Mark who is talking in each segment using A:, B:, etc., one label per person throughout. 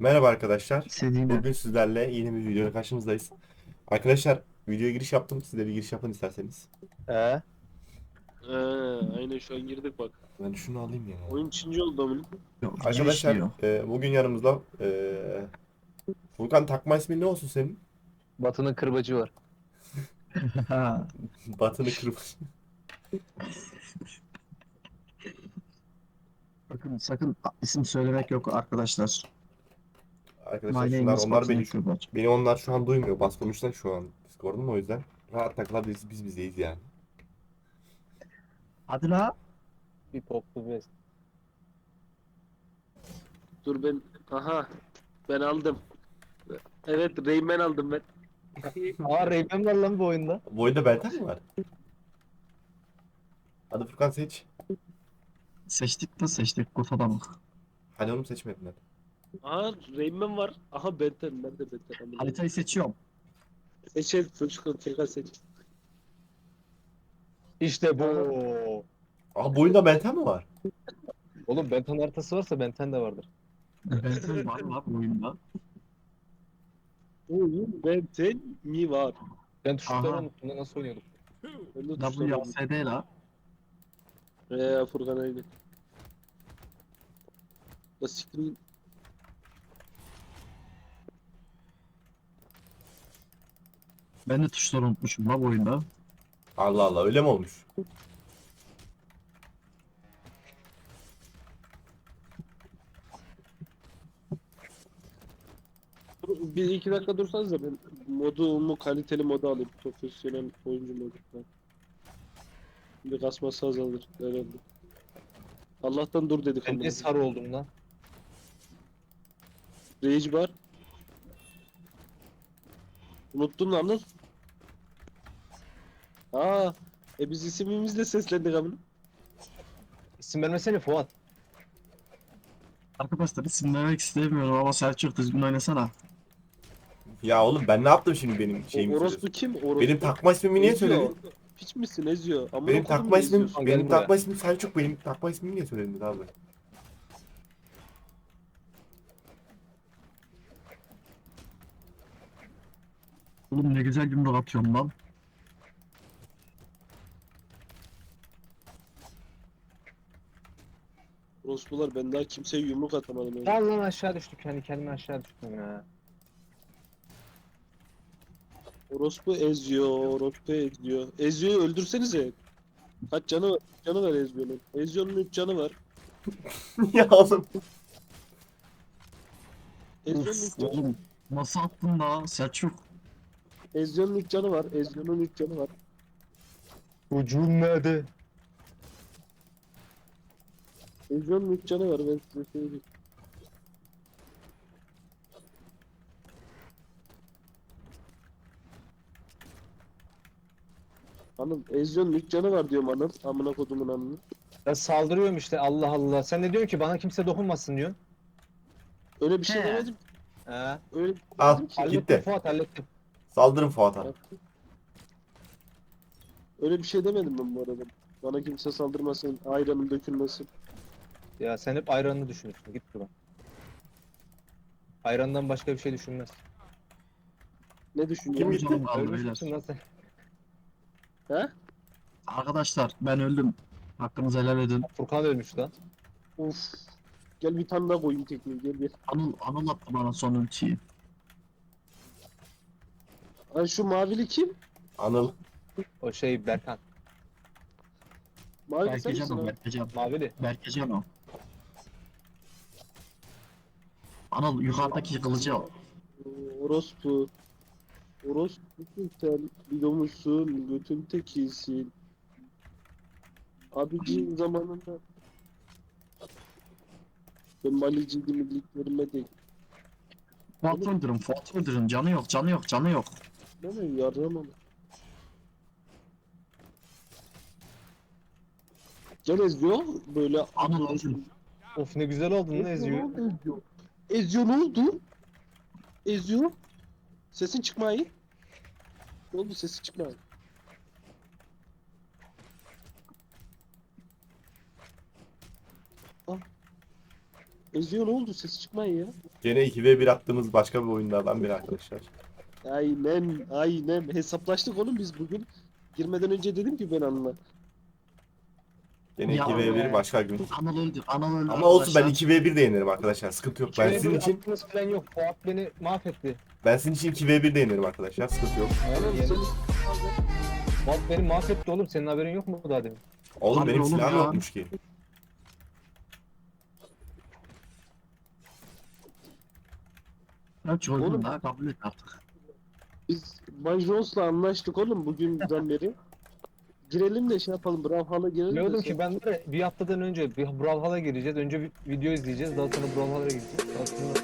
A: Merhaba arkadaşlar.
B: İstediğine.
A: Bugün sizlerle yeni bir videoyla karşınızdayız. Arkadaşlar videoya giriş yaptım. Siz de bir giriş yapın isterseniz.
C: Ee,
D: Ee, aynen şu an girdik bak.
A: Ben şunu alayım ya.
D: Oyun Çince oldu amına.
B: Yok, giriş
A: Arkadaşlar
B: diyor.
A: bugün yanımızda Furkan, takma ismin ne olsun senin?
C: Batı'nın kırbacı var.
B: Ha,
A: Batını kırmızı.
B: sakın isim söylemek yok arkadaşlar.
A: Arkadaşlar
B: My name
A: şunlar
B: is
A: onlar
B: Batın
A: beni
B: Kırbaç.
A: beni onlar şu an duymuyor. Bas konuştan şu an Discord'um, o yüzden rahat takılabiliriz, biz bizeyiz yani.
B: Hadi la.
C: Bir poplu bez.
D: Dur ben. Aha. Ben aldım. Evet, Rayman aldım ben.
C: Aa Rayman var lan bu oyunda.
A: Bu oyunda Belten mi var? Hadi Furkan seç.
B: Seçtik mi seçtik kutuda mı?
A: Hadi oğlum, seçmedin hadi.
D: Aha, Rayman var. Aha, Benten. Ben de Benten amına.
B: Haritayı seçiyorum.
D: Seç. Çocuk tekrar seç.
C: İşte bu.
A: Aa, bu oyunda Belten mi var?
C: Oğlum Benten haritası varsa Benten de vardır.
B: Benton var mı bu oyunda?
D: Oyun Benten mi var?
C: Ben tuşları
B: Aha.
C: unuttum da nasıl oynuyorduk?
D: Ben de tuşlamadım.
B: WASD la.
D: Furkan aynı. La siktir.
B: Ben de tuşları unutmuşum la bu oyunda.
A: Allah Allah, öyle mi olmuş?
D: Bir iki dakika dursanız da ben modumu kaliteli moda alayım. Profesyonel oyuncu modu falan. Bir kasması azalır herhalde. Allah'tan dur dedik
C: Ben
D: ama.
C: niye sarı oldum lan?
D: Rage var. Unuttun lan Anıl. Aa, biz isimimizle seslendik amına.
C: İsim vermesene Fuat.
B: Arkadaşlar isim vermek istemiyorum ama Selçuk düzgün oynasana.
A: Ya oğlum, ben ne yaptım şimdi, benim şeyimi
D: Orospu
A: söylüyorsun?
D: kim? Orospu.
A: Benim takma ismimi niye
D: Ezio.
A: söyledin?
D: Piç misin Ezio? Amına
A: Benim
D: kodum
A: takma
D: ne
A: ismim,
D: Ezio'sun?
C: Gel
A: benim
C: buraya.
A: takma ismim Selçuk. Benim takma ismimi niye söyledin abi?
B: Oğlum ne güzel yumruk atıyorum lan.
D: Orospular, ben daha kimseye yumruk atamadım yani.
C: Lan lan aşağı düştük. Kendi kendime aşağı düştüm ya.
D: Orospu Ezio, Orospu Ezio. Ezio'yu öldürsenize. Kaç canı var? Canı var Ezio'nun. Ezio'nun 3 canı var.
A: Ya oğlum.
D: Ezio'nun 3
B: Of
D: canı var.
B: oğlum. Nasıl attın la Selçuk?
D: Ezio'nun 3 canı var. Ezio'nun 3 canı var.
C: Ucum nerede?
D: Ezio'nun 3 canı var, ben size söyleyeyim. Anıl, Ezio'nun 3 canı var diyorum Anıl. Amına kodumun Anıl'ı.
C: Ben saldırıyorum işte Allah Allah. Sen ne diyorsun ki bana kimse dokunmasın diyorsun.
D: Öyle bir şey
B: He.
D: demedim.
C: He.
D: Öyle bir şey
A: Al,
D: demedim ki.
C: Hallettim
A: gitti.
C: Fuat hallettim.
A: Saldırın Fuat'a.
D: Öyle bir şey demedim ben bu arada. Bana kimse saldırmasın, ayranım dökülmesin.
C: Ya sen hep ayranını düşünürsün. Git buradan. Ayrandan başka bir şey düşünmez.
D: Ne düşünüyorsun?
A: Kim gitti?
B: Canım kaldı beyler.
C: Ölmüşsün lan sen.
D: He?
B: Arkadaşlar ben öldüm. Hakkınızı helal edin.
C: Furkan ölmüş lan.
D: Of. Gel bir tane daha koyayım tekniği, gel.
B: Anıl attı bana son ultiyi.
D: Ay, şu mavili kim?
A: Anıl.
C: O şey Berkan.
D: Mavili sen
B: Berkecan
D: misin
B: o
D: abi?
B: Berkecan.
C: Mavili.
B: Berkecan o. Anıl yukarıdaki kılıcı al.
D: Orospu. Orospusun sen. Biliyormuşsun. Götün tekisin. Abiciğim zamanında. Ben maliciydim, iyiliklerime de.
B: Fuat öldürün, Fuat öldürün. Canı yok, canı yok, canı yok.
D: Ben de yaramam. Gel Ezio. Böyle
B: Anıl öldürün.
C: Of ne güzel oldun lan
D: Ezio ne
C: Ezio.
D: oldu Ezio? Ezio ne oldu? Ezio? Sesin çıkmayı. Ne oldu, sesi çıkmayı? Ah. Ezio ne oldu? Ses çıkmayın ya.
A: Gene 2v1 attığımız başka bir oyunlardan biri arkadaşlar.
D: Aynen, aynen. Hesaplaştık oğlum biz bugün. Girmeden önce dedim ki ben Anıl'a.
A: Gene
B: Ya
A: 2v1 başka gün.
B: Anıl öldü. Anıl öldü
A: Ama olsun, ben
B: arkadaşlar.
A: 2v1 de yenerim arkadaşlar. Sıkıntı yok. Ben sizin için
C: Falan yok. Fuat beni mahvetti.
A: 2v1 de yenerim arkadaşlar. Sıkıntı yok.
D: Aynen
C: Yeni-
D: sen.
C: Fuat beni mahvetti oğlum. Senin haberin yok mu daha demin?
A: Oğlum
B: Abi
A: benim
B: oğlum
A: silahım
B: ya.
A: yokmuş ki.
B: Ben çocuğum
D: Oğlum.
B: daha kabul et artık.
D: Biz Bay Jones'la anlaştık oğlum bugünden beri. Girelim de şey yapalım. Brawlhalla girelim de.
C: Biliyordum
D: sen-
C: ki ben de bir haftadan önce bir Brawlhalla gireceğiz. Önce bir video izleyeceğiz. Daha sonra Brawlhalla'ya gideceğiz. Daha sonra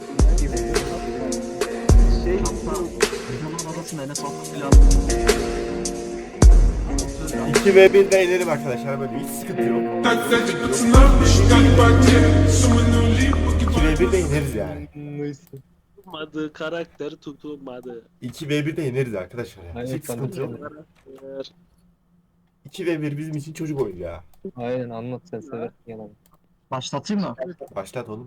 D: Şey,
B: Videonun arasında Enes Altın filan.
A: 2v1 de yenerim arkadaşlar. Böyle hiç sıkıntı yok. 2v1 de yeneriz yani.
D: tutmadı, karakter tutulmadı.
A: 2v1 de yeneriz arkadaşlar. Yani.
C: Aynen,
A: Hiç sıkıntı yok.
D: Karakter.
A: 2v1 bizim için çocuk oyunu ya.
C: Aynen anlat sen seversin yalan.
B: Başlatayım mı?
A: Başlat oğlum.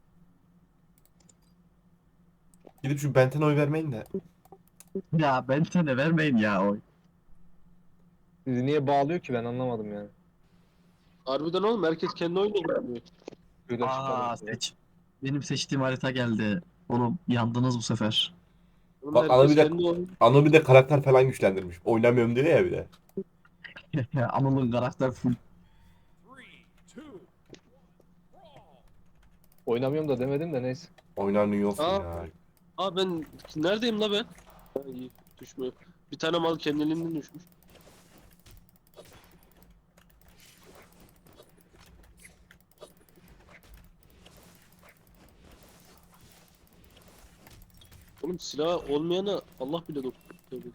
A: Gidip şu Benten'e oy vermeyin de.
B: Ya ben sana vermeyin ya oy.
C: Bizi niye bağlıyor ki ben anlamadım yani.
D: Harbiden oğlum herkes kendi oyunu oynuyor.
C: Böyle
B: Aa
C: çıkalım.
B: seç. Benim seçtiğim harita geldi. Oğlum yandınız bu sefer.
D: Oğlum
A: Bak,
D: herkes
A: ana bir de-
D: kendi oyunu.
A: Ano bir de karakter falan güçlendirmiş. Oynamıyorum diyor ya bir de.
B: Anıl'ın karakter full.
C: Oynamıyorum da demedim de neyse.
A: Oynanıyor olsun
D: Aa.
A: ya.
D: Aa ben neredeyim la ben? Ha, iyi düşmüyor. Bir tane mal kendiliğinden düşmüş. Oğlum silah olmayana Allah bile dokunuyor.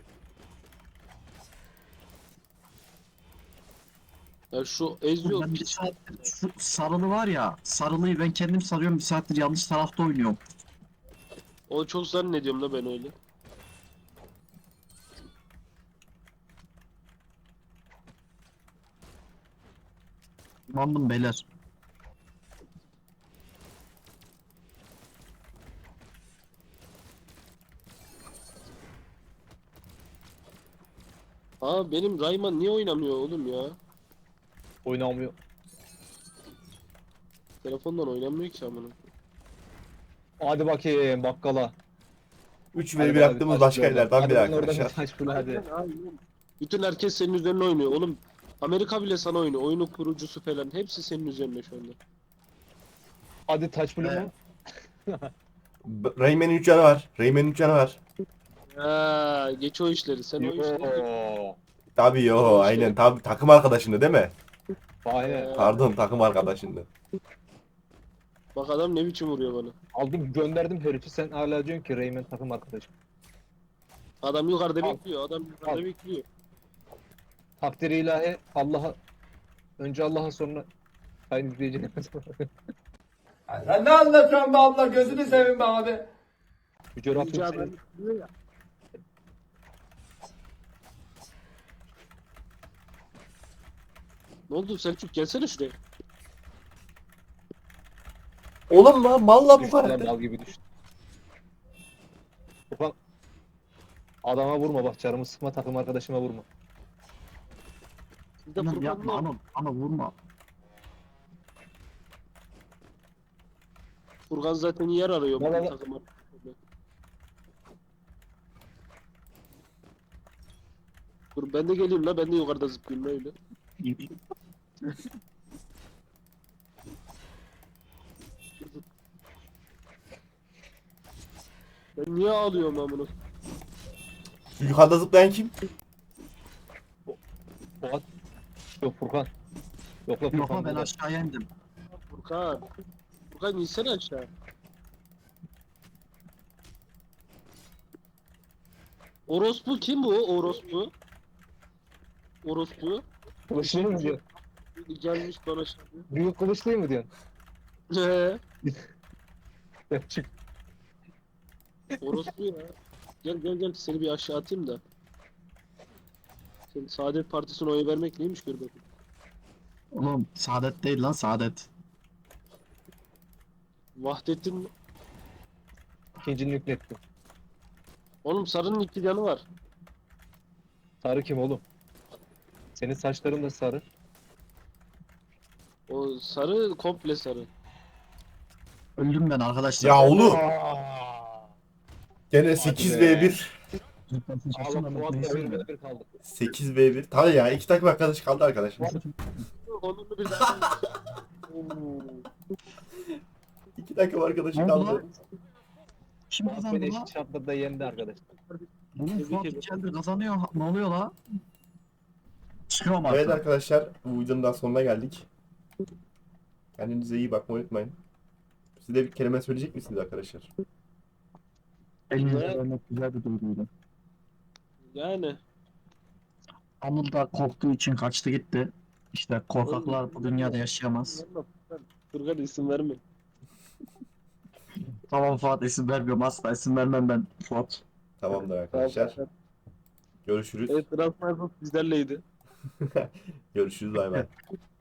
D: Ya şu Ezio
B: Ben bir
D: piç.
B: saattir şu sarılı var ya. Sarılıyı ben kendim sarıyorum. Bir saattir yanlış tarafta oynuyorum.
D: O çok zannediyorum da ben öyle.
B: Mandım beyler.
D: Aa benim Rayman niye oynamıyor oğlum ya?
C: Oynamıyor.
D: Telefondan oynamıyor ki amına.
C: Hadi bakayım bakkala.
A: 3v1 attığımız başka yerlerden biri
C: Hadi oradan bir
A: arkadaşlar.
C: taş bul hadi.
D: Aynen. Bütün herkes senin üzerine oynuyor oğlum. Amerika bile sana oynuyor. Oyunun kurucusu falan. Hepsi senin üzerine şu anda.
C: Hadi taş bul mu?
B: Evet.
A: Rayman'in 3 canı var. Rayman'in 3 canı var.
D: Ha, geç o işleri. Sen o işleri.
C: Yoo.
A: Tabii yo
D: Tamam işte.
A: aynen tabii takım arkadaşında değil mi?
C: Aynen.
A: Pardon, takım arkadaşında.
D: Bak adam ne biçim vuruyor bana.
C: Aldım gönderdim herifi sen hala diyorsun ki Rayman takım arkadaşım.
D: Adam yukarıda
C: Al.
D: bekliyor. Adam yukarıda
C: Al.
D: bekliyor.
C: Takdiri ilahi Allah'a önce Allah'a sonra aynı izleyicine.
E: Sen ne anlatıyorsun be abla, gözünü seveyim be abi.
C: Yüce Rabbim
D: Yüce
C: seni-
D: adam bekliyor ya. Ne oldu Selçuk gelsene şuraya.
A: Oğlum lan malla bu
C: düştü lan,
A: karakter.
C: bal gibi düştü. Ufak adama vurma bak canımı sıkma takım arkadaşıma vurma.
D: Sizde
B: Anıl
D: Furkan
B: yapma
D: var.
B: Anıl. Anıl vurma.
D: Furkan zaten yer arıyor.
C: Bana
D: bu
C: bak.
D: takıma. Dur ben de geleyim la ben de yukarıda zıplayayım öyle. Ben niye ağlıyorum amına?
A: Şu yukarıda zıplayan kim?
C: Fuat. Yok Furkan. Yok la
B: Yok
C: Furkan.
B: ama ben
C: burada.
B: aşağıya indim.
D: Furkan. Furkan insene aşağı. Orospu kim bu? Orospu. Orospu.
C: Kılıçlı mı diyor?
D: Gelmiş bana şimdi.
C: Büyük kılıçlı mı diyorsun?
D: He.
C: Çık.
D: Orospu ya. Gel gel gel seni bir aşağı atayım da. Sen Saadet Partisi'ne oy vermek neymiş gör bakayım.
B: Oğlum saadet değil lan saadet.
D: Vahdettin mi?
C: İkincini yüklettim.
D: Oğlum sarının 2 canı var.
C: Sarı kim oğlum? Senin saçların da sarı.
D: O sarı komple sarı.
B: Öldüm ben arkadaşlar.
A: Ya oğlum.
C: Aa!
A: Gene
C: be.
A: 8v1.
B: Lütfen seçilsin
C: Allah
B: ama
C: Fuat'la
B: neyse.
C: bir kaldı.
A: 8v1. Tabii ya 2 takım arkadaş kaldı arkadaşlar.
D: Onunu bir daha.
A: 2 takım arkadaşı
B: Ne oldu
A: kaldı.
B: lan? Kim
C: Fuat
B: kazandı
C: beni
B: la?
C: eşit şartlarda yendi arkadaşlar.
B: Oğlum
D: Tebrik
B: Fuat
D: ederim.
B: içeride kazanıyor. Ne oluyor la? Çıkıyorum
A: Evet
B: artık.
A: arkadaşlar bu videonun daha sonuna geldik. Kendinize iyi bakmayı unutmayın. Siz de bir kelime söyleyecek misiniz arkadaşlar?
B: Elinize
D: Evet.
B: vermek güzel bir duyguydu.
D: Yani.
B: Anıl da korktuğu için kaçtı gitti. İşte korkaklar bu dünyada yaşayamaz.
D: Furkan isim verme.
B: Tamam Fuat isim vermiyorum asla isim vermem ben Fuat.
A: Tamamdır arkadaşlar. Görüşürüz.
D: Evet, Transfer bizlerleydi.
A: Görüşürüz bay bay.